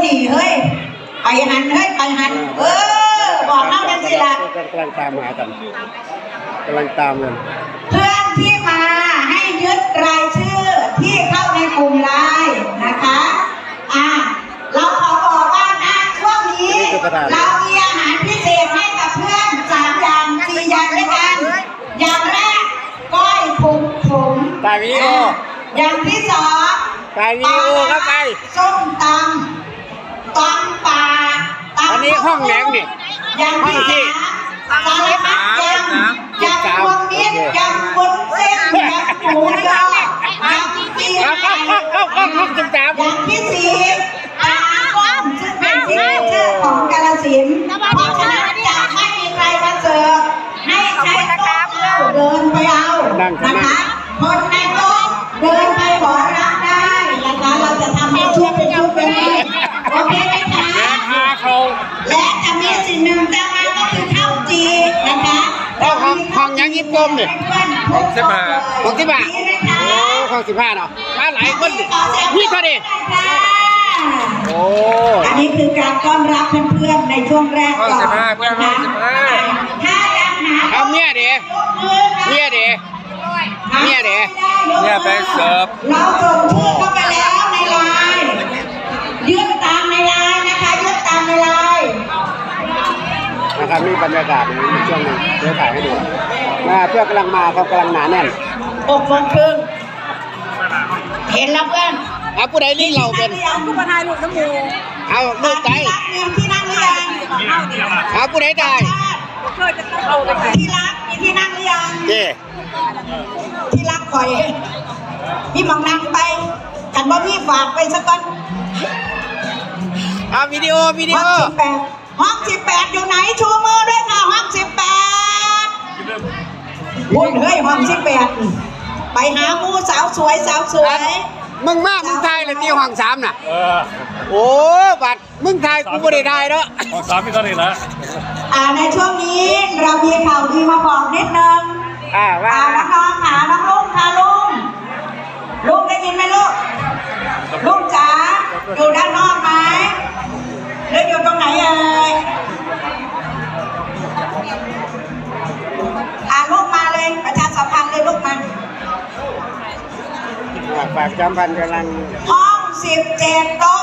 ดีเฮ้ยไปหันเฮ้ยไปหันบอกน้องกันสิละกำลังตามหากันกำลังตามกันเพื่อนที่มาให้ยึดรายชื่อที่เข้าในกลุ่มไลน์นะคะเราขอบอกว่านะช่วงนี้เรามีอาหารพิเศษให้กับเพื่อน3 อย่าง4 อย่างด้วยกันอย่างแรกก้อยผงไปวิดีโออย่างที่2 ไปวิดีโอครับไปส้มตำปลาอันนี้ห้องแหนงนี่อย่างที่3สารพัดยำรวมมิตรยำวุ้นเส้นยำหมูยอยำปีอย่างที่4ก้อนซึ่งเป็นซิกเนเจอร์ของกาฬสินธุ์เพราะฉะนั้นจะไม่มีใครมาเสิร์ฟให้ใช้โต๊ะเดินไปเอานะคะคนในโต๊ะเดินไปขอรับได้นะคะเราจะทำให้ชุดเป็นชุดไปเลยโอเคไหมคะและจะมีสิ่งหนึ่งจะมาก็คือข้าวจีนะคะห้องยังยิ้มกลมเนี่ยห้อง15 โอ้ห้อง15เนาะมาหลายคนพี่เขาดิโอ้อันนี้คือการต้อนรับเพื่อนๆในช่วงแรกก่อน 15เพื่อนห้อง15 ถ้ายังหาเอาเนี่ยไปเสิร์ฟเราส่งชื่อเข้าไปแล้วในไลน์ยืดตามในไลน์นะคะยืดตามในไลน์นะครับนี่บรรยากาศในช่วงนี้เดี๋ยวถ่ายให้ดูเพื่อนกำลังมาเขากำลังหนาแน่น 6 โมงครึ่งเห็นแล้วเพื่อนผู้ใดนี่เราเป็นผู้ประธานลูกน้ำมูเอาลูกใจที่นั่งหรือยังผู้ใดได้ที่รักมีที่นั่งหรือยังที่รักคอยพี่มองนั่งไปกันว่าพี่ฝากไปสักก่อนวิดีโอห้อง18อยู่ไหนชูมือด้วยค่ะห้อง18พูดเฮ้ยห้อง18ไปหามูสาวสวยมึงไทยเลยที่ห้อง3น่ะโอ้บัดมึงไทยกูไม่ได้ได้เนาะห้อง3มีเท่าไหร่ละในช่วงนี้เรามีข่าวดีมาบอกนิดนึงว่าน้องค่ะน้องลุงค่ะลุงได้ยินไหมลุงจ๋าอยู่ด้านนอกไหมหรืออยู่ตรงไหนลูกมาเลยประชาสัมพันธ์เลยลูกมาฝากจำพันกำลังห้อง17โต๊ะ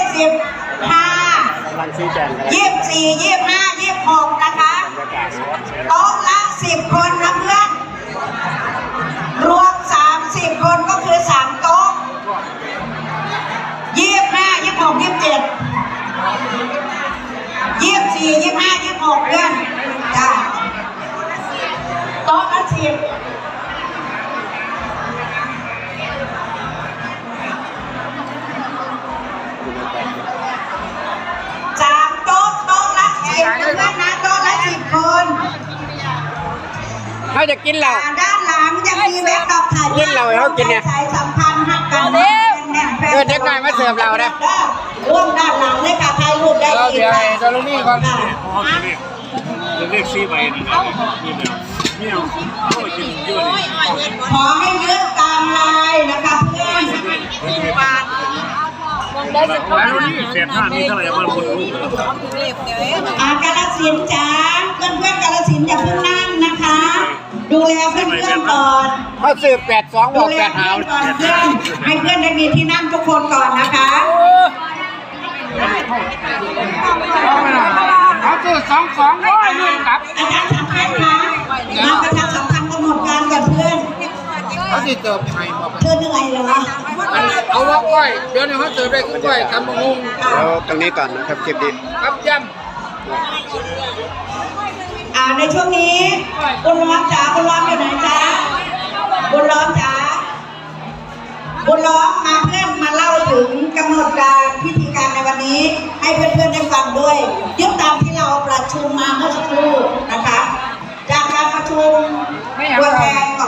25 กำลังชี้แจง 24 25 26นะคะโต๊ะละ10 คนนะเพื่อนรวม30 คนก็คือ3โต๊ะ25 26 27 24 25 26เพื่อนจ้าโต๊ะละ10นะโต๊ะละ10 คนเขาจะกินเหล้าด้านหลังจะมีเว็บดอกถ่ายกินเหล้าเขากินเนี่ยสายสัมพันธ์หักกันเด็กน้อยมาเสิร์ฟเรานะร่วมด้านหลังเลยค่ะถ่ายรูปได้อีกค่ะจะลงนี่ก่อนจะเรียกซีไปนะครับนี่ขอให้ยึดตามลายนะคะเพื่อนเสียค่านี้เท่าไหร่บ้างคนรู้กาฬสินธุ์จ้าเพื่อนกาฬสินธุ์อย่าเพิ่งนั่งนะคะดูแลเพื่อนก่อนเขาสืบ82บอก8หาวให้เพื่อนได้มีที่นั่งทุกคนก่อนนะคะเขาสืบ22ด้วยครับอาจารย์สำคัญนะมาประชาสัมพันธ์กำหนดการกับเพื่อนเขาจะเติมไทยเธอเหนื่อยเหรอเอาว่าก้อยเดี๋ยวนี้เขาเติมได้ก้อยทำมะม่วงแล้วตรงนี้ก่อนนะครับคลิปนี้ครับย่ำในช่วงนี้บุญล้อมจ๋าบุญล้อมอยู่ไหนจ๊ะบุญล้อมจ๋าบุญล้อมมาเพื่อนมาเล่าถึงกำหนดการพิธีการในวันนี้ให้เพื่อนๆได้ฟังด้วยยึดตามที่เราประชุมมาเมื่อสักครู่นะคะจากการประชุมตัวแทน